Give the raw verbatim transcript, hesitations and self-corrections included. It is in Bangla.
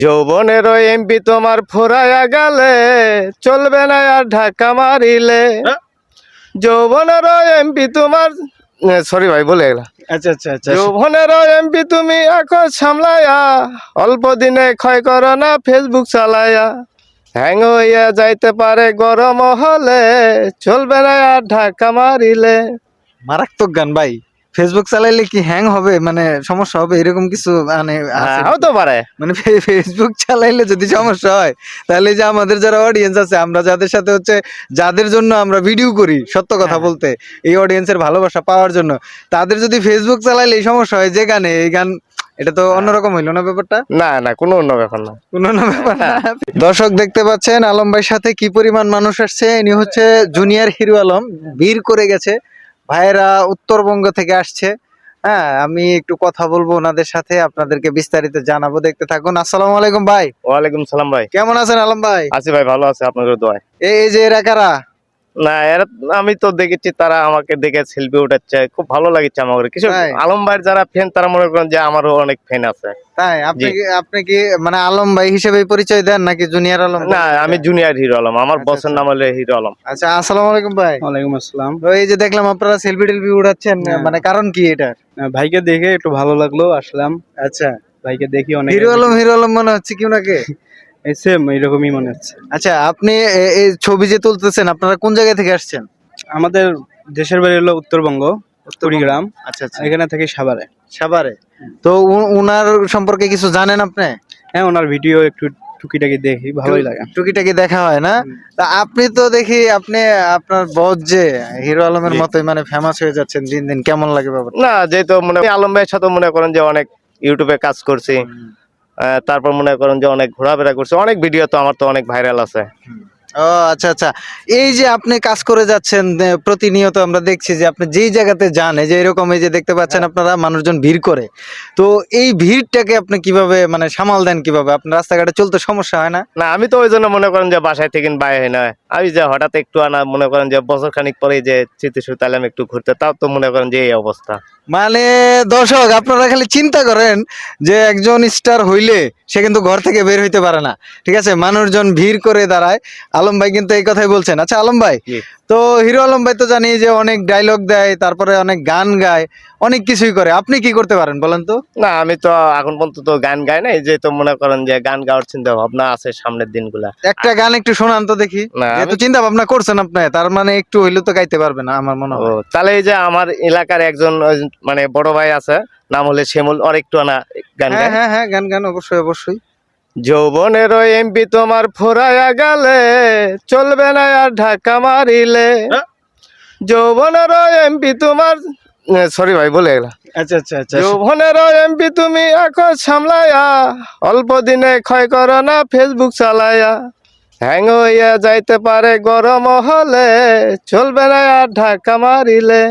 যৌবনের এমপি তোমার ফুরাইয়া গেলে চলবে না আর ঢাকা মারিলে। যৌবনের এমপি তোমার সরি ভাই বলে গেলাম। আচ্ছা আচ্ছা আচ্ছা যৌবনের এমপি তুমি এখন সামলাইয়া অল্প দিনে ক্ষয় করো না ফেসবুক চালাইয়া। হ্যাং হইয়া যাইতে পারে গরম হলে চলবে না আর ঢাকা মারিলে। মারাত্মক গান ভাই। ফেসবুক চালাইলে কি হ্যাং হবে, মানে সমস্যা হবে এরকম কিছু মানে আছে হ্যাঁ নাকি? হতে পারে। মানে ফে- ফেসবুক চালাইলে যদি সমস্যা হয় তাহলে যে আমাদের যারা অডিয়েন্স আছে, আমরা যাদের সাথে হচ্ছে যাদের জন্য আমরা ভিডিও করি, সত্য কথা হ্যাঁ। বলতে এই অডিয়েন্সের ভালোবাসা পাওয়ার জন্য, তাদের যদি ফেসবুক চালাইলে এই সমস্যা হয় যে গানে এই গান, এটা তো অন্যরকম হইলো না ব্যাপারটা। না না কোনো অন্য ব্যাপার না। কোনো না ব্যাপার না। দর্শক দেখতে পাচ্ছেন আলম ভাইয়ের সাথে কি পরিমাণ মানুষ আসছে। ইনি হচ্ছে জুনিয়র হিরো আলম, ভিড় করে গেছে। ভাইয়েরা উত্তরবঙ্গ থেকে আসছে। হ্যাঁ, আমি একটু কথা বলবো ওনাদের সাথে, আপনাদেরকে বিস্তারিত জানাবো, দেখতে থাকুন। আসসালামু আলাইকুম ভাই। ওয়ালাইকুম সালাম ভাই। কেমন আছেন আলম ভাই? আছি ভাই, ভালো আছে আপনাদের দোয়ায়। এই এই যে এরা কারা? না এরা আমি তো দেখেছি, তারা আমাকে দেখে সেলফি উঠাচ্ছে, খুব ভালো লাগছে আমার। কিছু তাই? আলম ভাইয়ের যারা ফ্যান তারা মনে করেন যে আমারও অনেক ফ্যান আছে। তাই আপনি জি। কি আপনি কি মানে আলম ভাই হিসেবে পরিচয় দেন নাকি জুনিয়র আলম? না আমি জুনিয়র হিরো আলম, আমার আচ্ছা, বসের আচ্ছা। নাম হলো হিরো আলম। আচ্ছা, আসসালামু আলাইকুম ভাই। ওয়ালাইকুম আসসালাম। তো এই যে দেখলাম আপনারা সেলফি টেলফি উঠাচ্ছেন, হ্যাঁ। মানে কারণ কি এটা? আহ, ভাইকে দেখে একটু ভালো লাগলো, আসলাম। আচ্ছা, ভাইকে দেখি অনেক হিরো আলম হিরো আলম মনে হচ্ছে কি ওনাকে? সেম এরকমই মনে হচ্ছে। আচ্ছা, আপনি এ- এই ছবি যে তুলতেছেন, আপনারা কোন জায়গা থেকে আসছেন? আমাদের দেশের বাড়ি হলো উত্তরবঙ্গ, কুড়িগ্রাম। আচ্ছা আচ্ছা, এখানে থেকে সাভারে। সাভারে। তো উ- উনার সম্পর্কে কিছু জানেন আপনি? হ্যাঁ, ওনার ভিডিও একটু টুকিটাকি দেখি, ভালোই লাগে। টুকিটাকি দেখা হয় না? তা আপনি তো দেখি আপনি আপনার বস যে হিরো আলমের জি। মতোই মানে ফেমাস হয়ে যাচ্ছেন দিন দিন, কেমন লাগে ব্যাপারটা? না যেহেতু মনে আমি আলম ভাইয়ের সাথে মনে করেন যে অনেক ইউটিউবে কাজ করছি, আহ, তারপর মনে করেন যে অনেক ঘোরাফেরা করছি, অনেক ভিডিও তো আমার তো অনেক ভাইরাল আছে। ও আচ্ছা আচ্ছা, এই যে আপনি কাজ করে যাচ্ছেন এ, প্রতিনিয়ত আমরা দেখছি যে আপনি যেই জায়গাতে যান, এই যে এরকম এই যে দেখতে পাচ্ছেন আপনারা মানুষজন ভিড় করে, তো এই ভিড়টাকে আপনি কিভাবে মানে সামাল দেন, কিভাবে আপনার রাস্তাঘাটে চলতে সমস্যা হয় না? না আমি তো ওই জন্য মনে করেন যে বাসায় থেকে বাইরে হয় না। আমি যে হঠাৎ একটু আনা মনে করেন যে বছর খানিক পরে যে চিত্তে তাইলাম একটু ঘুরতে, তাও তো মনে করেন যে এই অবস্থা। মানে দর্শক আপনারা খালি চিন্তা করেন যে একজন স্টার হইলে সে কিন্তু ঘর থেকে বের হইতে পারে না, ঠিক আছে, মানুষজন ভিড় করে দাঁড়ায়। আলম ভাই কিন্তু এই কথাই বলছেন। আচ্ছা আলম ভাই, জি। তো হিরো আলম ভাই তো জানি যে অনেক ডায়লগ দেয়, তারপরে অনেক গান গায়, অনেক কিছুই করে, আপনি কি করতে পারেন বলেন তো? না আমি তো এখন পর্যন্ত তো গান গাই নাই, যে তো মনে করেন যে গান গাওয়ার চিন্তা ভাবনা আছে সামনের দিনগুলা। একটা গান একটু শোনান তো দেখি। না, যেহেতু আমি- চিন্তা ভাবনা করছেন আপনি, তার মানে একটু হইলেও তো গাইতে পারবেন না আমার মনে ও হয়। তাহলে এই যে আমার এলাকার একজন ওই মানে বড় ভাই আছে, নাম হলে শ্যামল, আর একটু আনা গান হ্যাঁ গায়। হ্যাঁ হ্যাঁ, গান গান অবশ্যই অবশ্যই। যৌবনের এমপি তোমার ফুরাইয়া গেলে চলবে না আর ঢাকা মারিলে। যৌবনের এমপি তোমার সরি ভাই বলে গেলাম। আচ্ছা আচ্ছা আচ্ছা, যৌবনের এমপি তুমি এখন সামলাইয়া অল্প দিনে ক্ষয় করো না ফেসবুক চালাইয়া। হ্যাং হইয়া যাইতে পারে গরম হলে চলবে না আর ঢাকা মারিলে।